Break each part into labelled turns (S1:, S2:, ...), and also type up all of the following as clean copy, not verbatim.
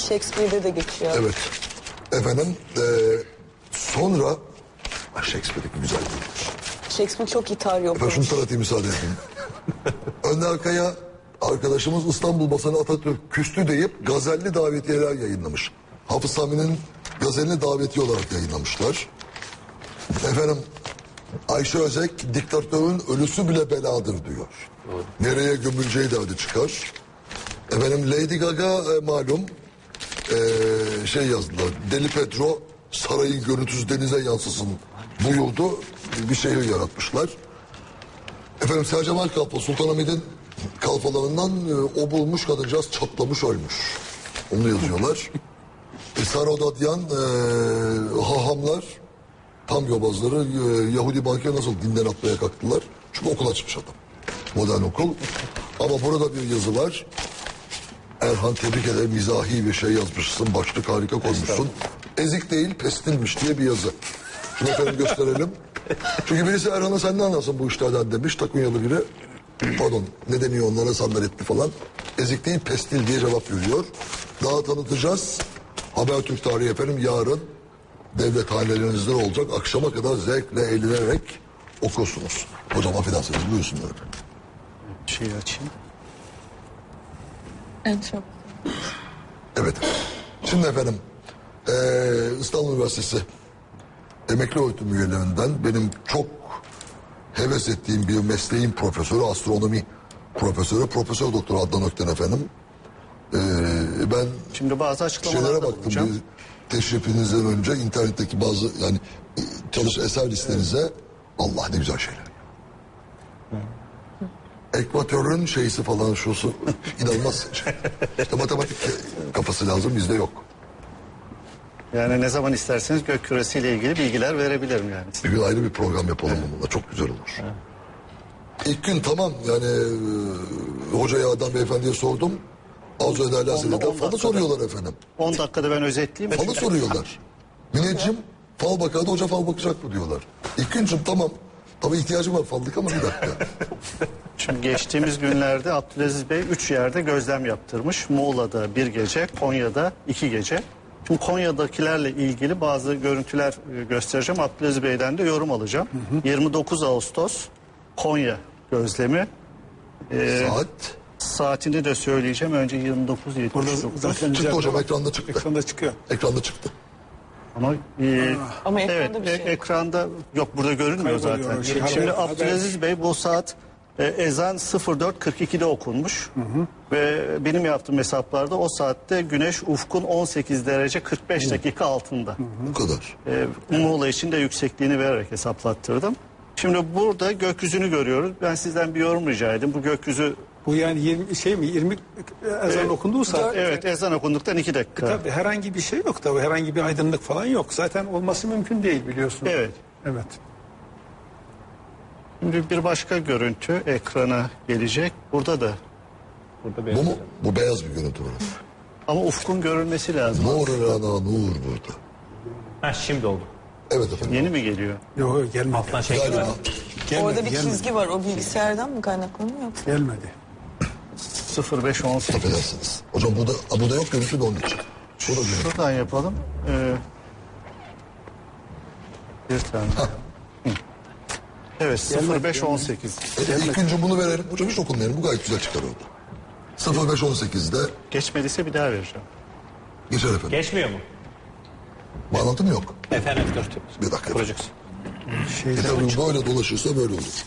S1: Shakespeare'de de geçiyor.
S2: Evet. Efendim sonra Shakespeare'deki güzel değildir.
S1: Shakespeare çok İtalya
S2: Efendim
S1: okumuş.
S2: şunu tanıtayım müsaade edin. Önder Kaya arkadaşımız İstanbul basını Atatürk küstü deyip gazelli davetiyeler yayınlamış. Hafız Sami'nin gazelini davetiye olarak yayınlamışlar. Efendim Ayşe Özek diktatörün ölüsü bile beladır diyor. Nereye gömüleceği derdi çıkar. Efendim Lady Gaga malum şey yazdılar. Deli Pedro sarayın görüntüsü denize yansısın buyurdu. Bir şehir yaratmışlar. Efendim Sercemal Kalfa Sultanahmet'in kalfalarından o bulmuş kadıncağız çatlamış ölmüş. Onu yazıyorlar. Sarodadyan hahamlar tam yobazları Yahudi banka nasıl dinden atmaya kalktılar. Çünkü okul açmış adam. Modern okul. Ama burada bir yazı var. Erhan tebrik ederim mizahi bir şey yazmışsın. Başlık harika koymuşsun. Ezik değil pestilmiş diye bir yazı. Şunu efendim gösterelim. Çünkü birisi Erhan'a sen ne anlarsın bu işlerden demiş. Takunyalı biri. Pardon ne deniyor onlara sandaletli falan. Ezik değil pestil diye cevap veriyor. Daha tanıtacağız. Habertürk tarihi efendim yarın devlet hanelerinizde olacak. Akşama kadar zevkle eğlenerek okursunuz. Hocam affedersiniz buyursunlar efendim.
S3: Şeyi açayım.
S1: Evet çok.
S2: Evet. Şimdi efendim İstanbul Üniversitesi emekli öğretim üyelerinden benim çok heves ettiğim bir mesleğin profesörü, astronomi profesörü, Profesör Doktor Adnan Ökten efendim. Ben
S3: Şimdi bazı açıklamalarda
S2: şeylere baktım
S3: bulunacağım.
S2: bir teşrifinizden önce internetteki bazı yani çalış eser listenize Allah ne güzel şeyler. Ekvatörün şeysi falan şusu inanılmaz şey. İşte matematik kafası lazım bizde yok.
S3: Yani ne zaman isterseniz gök küresiyle ilgili bilgiler verebilirim yani.
S2: Bir gün ayrı bir program yapalım onunla çok güzel olur. İlk gün tamam yani hocaya adam beyefendiye sordum. Arzu ederlerse de falı soruyorlar efendim.
S3: 10 dakikada ben özetleyeyim.
S2: Falı soruyorlar. Müneccim fal bakardı hoca fal bakacak mı diyorlar. İlk güncüm tamam. Tabii ihtiyacım var fallık ama bir dakika.
S3: Şimdi geçtiğimiz günlerde Abdülaziz Bey 3 yerde gözlem yaptırmış. Muğla'da 1 gece, Konya'da 2 gece. Şimdi Konya'dakilerle ilgili bazı görüntüler göstereceğim. Abdülaziz Bey'den de yorum alacağım. 29 Ağustos Konya gözlemi.
S2: Saat
S3: Saatini de söyleyeceğim. Önce 29.79.
S4: Burada zaten
S2: çıktı hocam ekranda çıktı.
S4: ekranda çıkıyor.
S2: Ekranda çıktı.
S3: Ama,
S1: Ama
S3: evet,
S1: ekranda bir şey yok.
S3: ekranda yok burada görünmüyor
S4: Kayboluyor,
S3: zaten.
S4: şey,
S3: Şimdi
S4: haber.
S3: Abdülaziz Bey bu saat ezan 04.42'de okunmuş. Ve benim yaptığım hesaplarda o saatte güneş ufkun 18 derece 45 dakika altında.
S2: Bu kadar.
S3: Muğla için de yüksekliğini vererek hesaplattırdım. Şimdi burada gökyüzünü görüyoruz. Ben sizden bir yorum rica edeyim. Bu gökyüzü
S4: Bu yani 20 ezan okunduğu saat.
S3: evet ezan okunduktan 2 dakika.
S4: Tabii herhangi bir şey yok tabii. Herhangi bir aydınlık falan yok. Zaten olması mümkün değil biliyorsun.
S3: Evet.
S4: Evet.
S3: Şimdi bir başka görüntü ekrana gelecek. Burada da.
S2: Bu mu? Bu beyaz bir görüntü var.
S3: Ama ufkun görülmesi lazım.
S2: Nur rana nur burada.
S5: Ha şimdi oldu.
S2: Evet efendim.
S3: Yeni mi geliyor?
S4: Yok gelmedi.
S5: Alttan şey
S2: Galiba.
S1: Orada bir
S4: gelmedi.
S1: çizgi var. O bilgisayardan mı kaynaklanıyor yoksa?
S4: Gelmedi.
S3: 0518.
S2: Affedersiniz. Hocam burada yok görüntü de onun için. Bu da görüntü.
S3: Şuradan yapalım. Bir tane. Hı. Evet 0518.
S2: İlk günce bunu verelim. Hocam hiç okunmayalım. Bu gayet güzel çıkar orada. 0518'de
S3: Geçmediyse bir daha vereceğim.
S2: geçer efendim.
S5: geçmiyor mu?
S2: Bağlantım yok.
S5: Efendim görüntü.
S2: Bir dakika.
S5: Kuracaksın.
S2: Tabii böyle dolaşırsa böyle olur.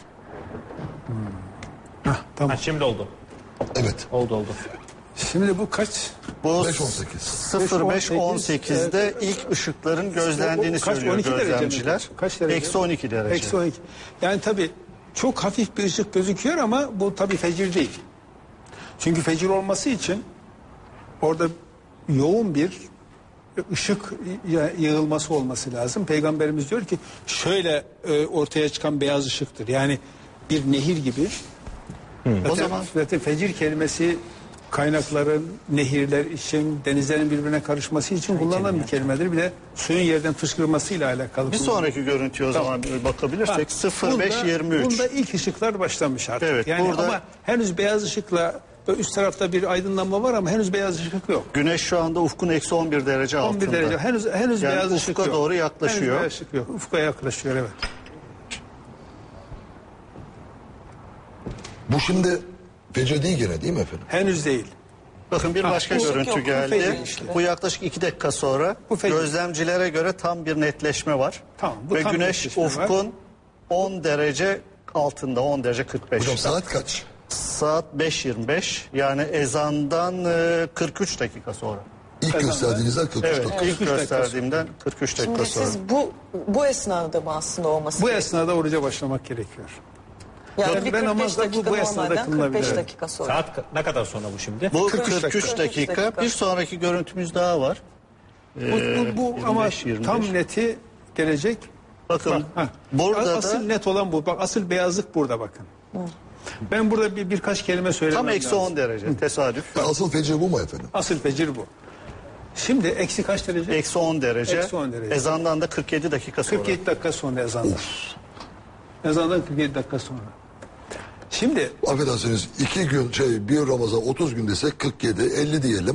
S4: Tamam.
S5: Ha şimdi oldu.
S2: Evet.
S5: Oldu.
S4: Şimdi bu kaç?
S3: Bu
S2: 518.
S3: 0518'de ilk ışıkların gözlendiğini
S4: Kaç?
S3: söylüyor
S4: 12 derece mi?
S3: gözlemciler.
S4: Kaç derece?
S3: Eksi 12 derece.
S4: Eksi 12. Yani tabii çok hafif bir ışık gözüküyor ama bu tabii fecir değil. Çünkü fecir olması için orada yoğun bir ışık yığılması olması lazım. Peygamberimiz diyor ki şöyle ortaya çıkan beyaz ışıktır. Yani bir nehir gibi.
S3: O zaman
S4: Zaten fecir kelimesi kaynakların, nehirler için, denizlerin birbirine karışması için kullanılan bir kelimedir. Bir de suyun yerden fışkırmasıyla alakalı.
S3: bir sonraki görüntüye o zaman bakabilirsek 0523.
S4: Bunda ilk ışıklar başlamış artık.
S3: Evet,
S4: yani
S3: burada-
S4: ama henüz beyaz ışıkla üst tarafta bir aydınlanma var ama henüz beyaz ışık yok.
S3: Güneş şu anda ufkun eksi 11 derece
S4: 11
S3: altında.
S4: derece. Henüz
S3: Yani
S4: beyaz ışık
S3: ufka
S4: yok.
S3: doğru yaklaşıyor.
S4: Henüz beyaz ışık yok. Ufka yaklaşıyor, evet.
S2: Bu şimdi fecr değil gene değil mi efendim?
S4: Henüz değil.
S3: Bakın bir başka
S1: ışık
S3: görüntü
S1: yok, bu
S3: geldi.
S1: fecir işte.
S3: Bu yaklaşık 2 dakika sonra
S4: Bu fecir.
S3: gözlemcilere göre tam bir netleşme var.
S4: Tamam, bu
S3: Ve
S4: tam
S3: güneş
S4: netleşme var.
S3: ufkun 10 derece altında, 10 derece 45.
S2: Hocam saat kaç?
S3: Saat 5.25, yani ezandan 43 dakika sonra.
S2: İlk gösterdiğinizden 43
S3: Evet,
S2: dakika.
S3: ilk
S4: 43 dakika
S3: gösterdiğimden 43 dakika
S1: Şimdi
S3: sonra.
S1: siz bu esnada mı aslında olması
S4: Bu
S1: gerekiyor?
S4: esnada oruca başlamak gerekiyor.
S1: Yani
S4: Ve
S1: bir 45
S4: namazda
S1: dakika
S4: bu esnada
S1: normalden
S4: kılınabilir.
S1: 45
S4: Evet.
S1: dakika sonra.
S5: Saat ne kadar sonra bu şimdi?
S3: Bu
S4: 43
S3: 43 dakika. Bir sonraki görüntümüz daha var.
S4: Bu ama
S3: 25.
S4: tam neti gelecek.
S3: Bakın
S4: Bak,
S3: burada
S4: asıl
S3: da
S4: net olan bu. Bak, asıl beyazlık burada bakın. Ben burada birkaç kelime söylemem
S3: tam eksi
S4: lazım.
S3: 10 derece tesadüf.
S2: Asıl fecr bu mu efendim?
S4: Asıl fecir bu. Şimdi eksi kaç derece?
S3: Eksi 10 derece.
S4: Eksi 10 derece.
S3: Ezandan da 47 dakika sonra.
S4: 47 dakika sonra ezandan. Ezandan 47 dakika sonra. Şimdi
S2: Affedersiniz 2 gün bir Ramazan 30 gün desek 47 50 diyelim.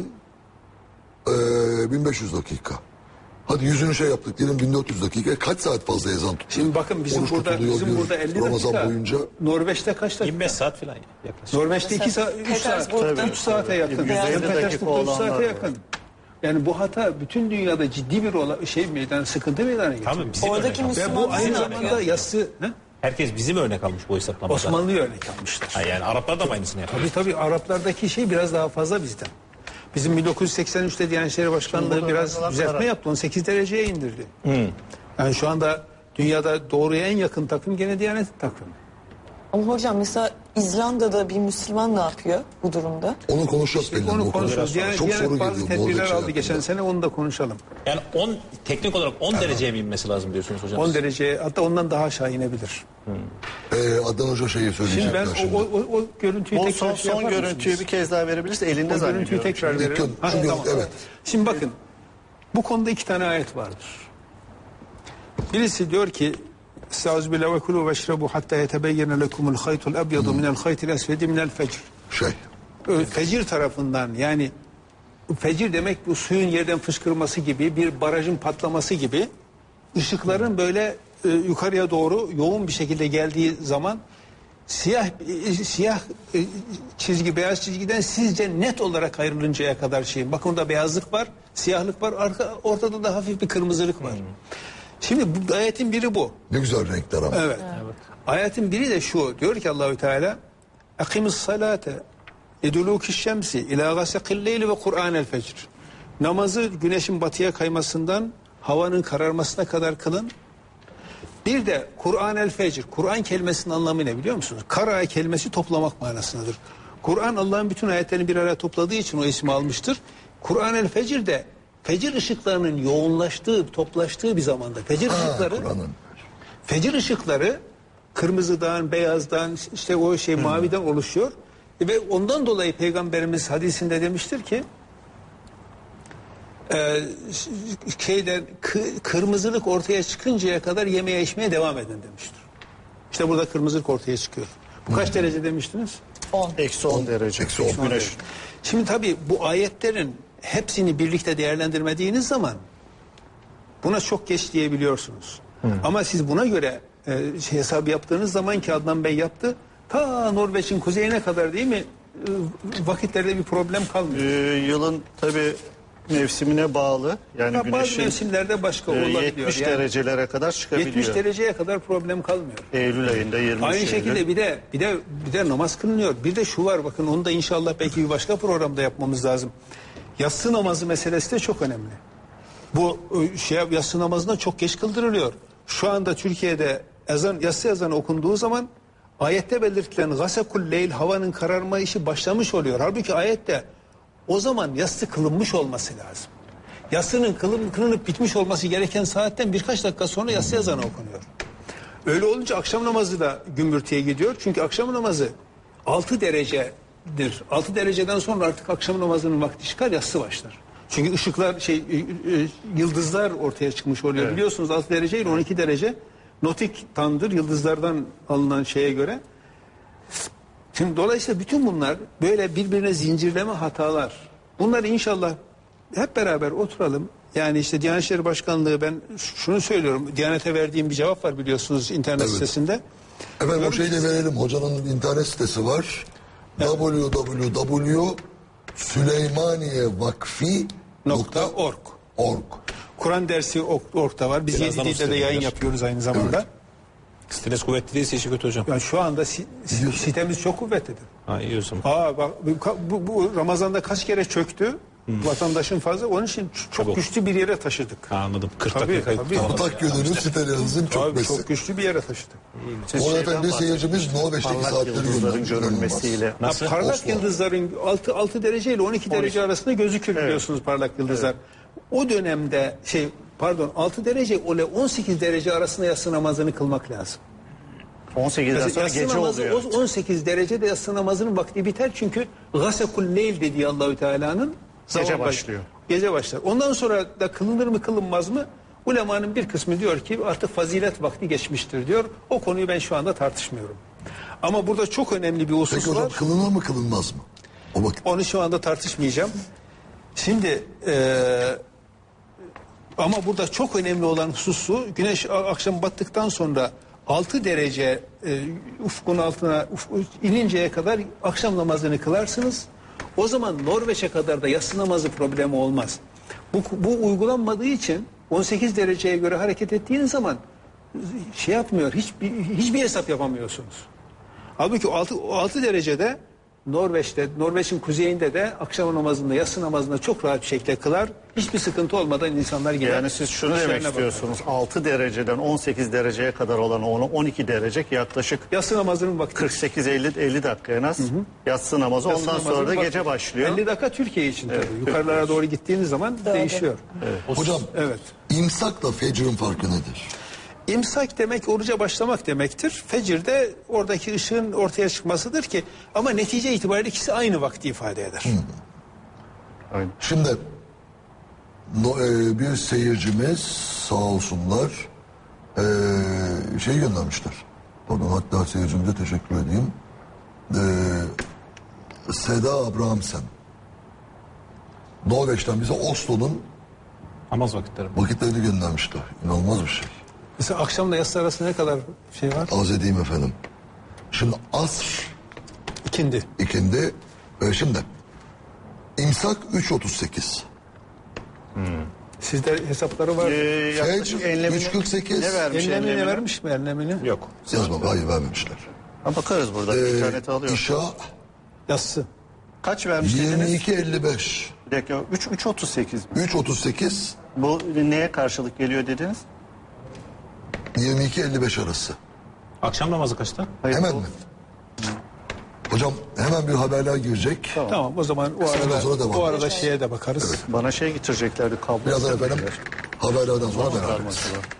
S2: 1500 dakika. Hadi yüzünü yaptık diyelim 1400 dakika. Kaç saat fazla ezan tutuyor?
S4: şimdi bakın bizim
S2: Oruç
S4: burada
S2: tutuluyor
S4: bizim
S2: bir
S4: burada 50
S2: Ramazan
S4: dakika.
S2: boyunca.
S4: Norveç'te kaç dakika?
S5: 25 saat falan yaklaşık.
S4: Norveç'te 2 saat, 3 saat,
S1: Petersburg'da-
S4: 3 saate yakın.
S3: 150 dakika
S4: Petersburg'da 3
S3: olanlar
S4: saate
S3: var.
S4: yakın. Yani bu hata bütün dünyada ciddi bir sıkıntı meydana getiriyor.
S5: Tamam, bizim
S1: Oradaki
S5: örnek almış.
S4: Ve
S1: Müslüman
S4: bu aynı
S1: ne
S4: zamanda
S1: yapıyor?
S4: yassı
S5: Herkes bizim örnek almış bu hesaplamada.
S4: Osmanlı'yı örnek almıştır.
S5: Ha, yani Araplar da mı aynısını yapıyor?
S4: Tabii Araplardaki şey biraz daha fazla bizden. Bizim 1983'te Diyanet İşleri Başkanlığı
S3: Burada
S4: biraz
S3: yazılan
S4: düzeltme
S3: karar.
S4: yaptı. 18 dereceye indirdi. Yani şu anda dünyada doğruya en yakın takım gene Diyanet takımı.
S1: Ama hocam mesela İzlanda'da bir Müslüman ne yapıyor bu durumda?
S2: Onu konuşacağız belli.
S4: Onu
S2: o
S4: konuşuruz.
S2: konuda.
S4: Diyanet,
S2: Çok soru
S4: bazı
S2: geliyor.
S4: tedbirler
S2: Norveç
S4: aldı
S2: hakkında.
S4: geçen sene, onu da konuşalım.
S5: Yani teknik olarak 10 dereceye mi inmesi lazım diyorsunuz hocam?
S4: 10 dereceye, hatta ondan daha aşağı inebilir.
S2: Adnan Hoca şeyi
S4: Şimdi
S2: söyleyecekler
S4: ben
S2: şimdi.
S4: o görüntüyü
S3: Bu
S4: tekrar
S3: son
S4: yapar
S3: görüntüyü
S4: mısınız?
S3: bir kez daha verebiliriz. Elinde
S4: O görüntüyü
S3: zannediyorum.
S4: tekrar
S2: İlk
S4: verelim.
S2: gün,
S4: Ha,
S2: şu
S4: tamam.
S2: evet.
S4: Şimdi bakın, bu konuda 2 tane ayet vardır. Birisi diyor ki Estağfirullah ve kulu veşrebu hatta yetebeyyene lekumul haytul ebyadu minel haytil esvedi minel fecr. Fecir tarafından, yani fecir demek bu suyun yerden fışkırması gibi, bir barajın patlaması gibi, ışıkların böyle yukarıya doğru yoğun bir şekilde geldiği zaman siyah çizgi beyaz çizgiden sizce net olarak ayrılıncaya kadar şeyin. Bakın orada beyazlık var, siyahlık var, ortada da hafif bir kırmızılık var. Şimdi bu ayetin biri bu.
S2: Ne güzel renkler ama.
S4: Evet. Ayetin biri de şu. Diyor ki Allahü Teala: "Akimis salate eduluki şemsi ila gasaqil leyli ve Kur'anel fecr." Namazı güneşin batıya kaymasından havanın kararmasına kadar kılın. Bir de Kur'anel fecr. Kur'an kelimesinin anlamı ne biliyor musunuz? Kara kelimesi toplamak manasındadır. Kur'an Allah'ın bütün ayetlerini bir araya topladığı için o ismi almıştır. Kur'anel fecr de fecir ışıklarının yoğunlaştığı, toplaştığı bir zamanda. Fecir ışıkları kırmızıdan, beyazdan, işte o maviden oluşuyor. Ve ondan dolayı Peygamberimiz hadisinde demiştir ki kırmızılık ortaya çıkıncaya kadar yemeye içmeye devam edin demiştir. İşte burada kırmızılık ortaya çıkıyor. Bu kaç derece demiştiniz?
S1: 10.
S3: Eksi 10 derece.
S2: Eksi 10
S3: Güneş.
S4: Şimdi tabii bu ayetlerin hepsini birlikte değerlendirmediğiniz zaman buna çok geç diyebiliyorsunuz. Ama siz buna göre hesap yaptığınız zaman ki Adnan Bey yaptı, ta Norveç'in kuzeyine kadar değil mi vakitlerde bir problem kalmıyor.
S3: Yılın tabii mevsimine bağlı. Yani
S4: Bazı
S3: güneşin
S4: mevsimlerde başka olabiliyor.
S3: 70
S4: Yani
S3: derecelere kadar çıkabiliyor.
S4: 70 dereceye kadar problem kalmıyor.
S3: Eylül ayında 23
S4: Aynı
S3: Eylül.
S4: şekilde bir de namaz kılınıyor. Bir de şu var, bakın onu da inşallah belki bir başka programda yapmamız lazım. Yatsı namazı meselesi de çok önemli. Bu yatsı namazında çok geç kıldırılıyor. Şu anda Türkiye'de yatsı ezanı okunduğu zaman ayette belirtilen gasekul leyl, havanın kararma işi başlamış oluyor. Halbuki ayette o zaman yatsı kılınmış olması lazım. Yatsının kılınıp bitmiş olması gereken saatten birkaç dakika sonra yatsı ezanı okunuyor. Öyle olunca akşam namazı da gümbürtüye gidiyor. Çünkü akşam namazı 6 derecedir. 6 dereceden sonra artık akşam namazının vakti çıkar, yatsı başlar. Çünkü ışıklar yıldızlar ortaya çıkmış oluyor. Evet. Biliyorsunuz 6 derece ile 12 derece notik tandır, yıldızlardan alınan şeye göre. Şimdi dolayısıyla bütün bunlar böyle birbirine zincirleme hatalar. Bunları inşallah hep beraber oturalım. Yani işte Diyanet İşleri Başkanlığı, ben şunu söylüyorum. Diyanete verdiğim bir cevap var biliyorsunuz internet
S2: Evet.
S4: sitesinde.
S2: Efendim o şeyi de verelim. Hocanın internet sitesi var.
S4: .org.
S2: www.süleymaniyevakfi.org.
S4: Kur'an dersi org'da var. Biz
S5: Birazdan
S4: 7
S5: o
S4: dilde de yayın
S5: sitede
S4: yapıyoruz aynı zamanda.
S5: Siteniz kuvvetli değilse işi kötü hocam.
S4: Yani şu anda sitemiz çok kuvvetlidir.
S5: Ha, iyi o zaman.
S4: Bak bu Ramazan'da kaç kere çöktü? Vatandaşın fazla. Onun için çok
S5: Tabii.
S4: güçlü bir yere taşıdık.
S5: Ha, anladım. 40
S4: Tabii,
S5: dakika kayıp.
S4: tabii.
S5: Tamam.
S2: Ortak yönünün sitelerinizin
S4: Abi
S2: çökmesi.
S4: çok güçlü bir yere taşıdık.
S3: Siz
S2: O
S3: şeyden
S2: efendi seyircimiz Norveç'teki
S3: parlak
S2: saatleri
S3: yıldızların
S2: göndermiş.
S3: görülmesiyle.
S5: Nasıl?
S4: Parlak
S2: Oslo.
S4: yıldızların 6 derece ile 12 derece arasında gözükür biliyorsunuz parlak yıldızlar. O dönemde 6 derece ile 18 derece arasında yatsı namazını kılmak lazım.
S3: 18'den sonra
S4: Yatsı
S3: gece
S4: namazı
S3: oluyor.
S4: 18 derecede yatsı namazının vakti biter çünkü gasekul leyl dediği Allahü Teala'nın
S3: Gece
S4: zaman
S3: başlıyor.
S4: Gece başlar. Ondan sonra da kılınır mı kılınmaz mı? Ulemanın bir kısmı diyor ki artık fazilet vakti geçmiştir diyor. O konuyu ben şu anda tartışmıyorum. Ama burada çok önemli bir husus
S2: Peki hocam
S4: var.
S2: kılınır mı kılınmaz mı? O vakit.
S4: Onu şu anda tartışmayacağım. Şimdi ama burada çok önemli olan hususu güneş akşam battıktan sonra 6 derece ufkun altına ininceye kadar akşam namazını kılarsınız. O zaman Norveç'e kadar da yatsı namazı problemi olmaz. Bu uygulanmadığı için 18 dereceye göre hareket ettiğiniz zaman yapmıyor. Hiçbir hesap yapamıyorsunuz. Halbuki 6 derecede Norveç'in kuzeyinde de akşam namazında, yatsı namazında çok rahat bir şekilde kılar. Hiçbir sıkıntı olmadan insanlar gider.
S3: Yani siz şunu
S4: işlerine
S3: demek
S4: bakar.
S3: istiyorsunuz. 6 dereceden 18 dereceye kadar olan 12 derece yaklaşık
S4: Yatsı namazının vakti.
S3: 48-50 dakika en az. Yatsı namazı.
S4: Yatsı
S3: Ondan
S4: namazının
S3: sonra da
S4: vakti.
S3: gece başlıyor.
S4: 50 dakika Türkiye için tabii. Yukarılara doğru gittiğiniz zaman değişiyor.
S2: Hocam
S4: Evet.
S2: imsakla fecrin farkı nedir?
S4: İmsak demek oruca başlamak demektir. Fecir de oradaki ışığın ortaya çıkmasıdır ki ama netice itibariyle ikisi aynı vakti ifade eder.
S3: Aynen.
S2: Şimdi bir seyircimiz sağ olsunlar şey göndermişler. Pardon, hatta seyircimize teşekkür edeyim. Seda Abrahamsen. Norveç'ten bize Oslo'nun
S5: Namaz vakitleri.
S2: vakitlerini göndermişler. İnanılmaz bir şey.
S4: Mesela akşamla yatsı arasında ne kadar şey var?
S2: Az edeyim efendim. Şimdi asr
S4: İkindi.
S2: ikindi. Şimdi imsak 3.38.
S4: Sizde hesapları var.
S3: Yaklaşık
S2: Fecr
S3: enlemini
S2: 3.48.
S3: ne vermiş
S4: Enlemini
S3: enlemini?
S4: vermiş mi enlemini?
S5: Yok.
S2: Yazmam, hayır vermemişler.
S3: Ha, bakarız burada. İnternete alıyoruz.
S2: İşa
S4: Yatsı.
S3: Kaç vermiş dediniz?
S2: 22.55.
S3: Bir dakika 3.38.
S2: 3.38
S3: Bu neye karşılık geliyor dediniz?
S2: 22.55 arası.
S5: Akşam namazı kaçta?
S3: Hayır,
S2: Hemen
S3: bu-
S2: mi? Hocam hemen bir haberler girecek.
S4: Tamam o zaman
S2: Kısa sonra devam
S4: o arada
S2: edeceğiz.
S4: şeye de bakarız.
S3: Bana şey getireceklerdi kablo.
S2: Birazdan efendim haberlerden sonra beraber.
S3: Karması var.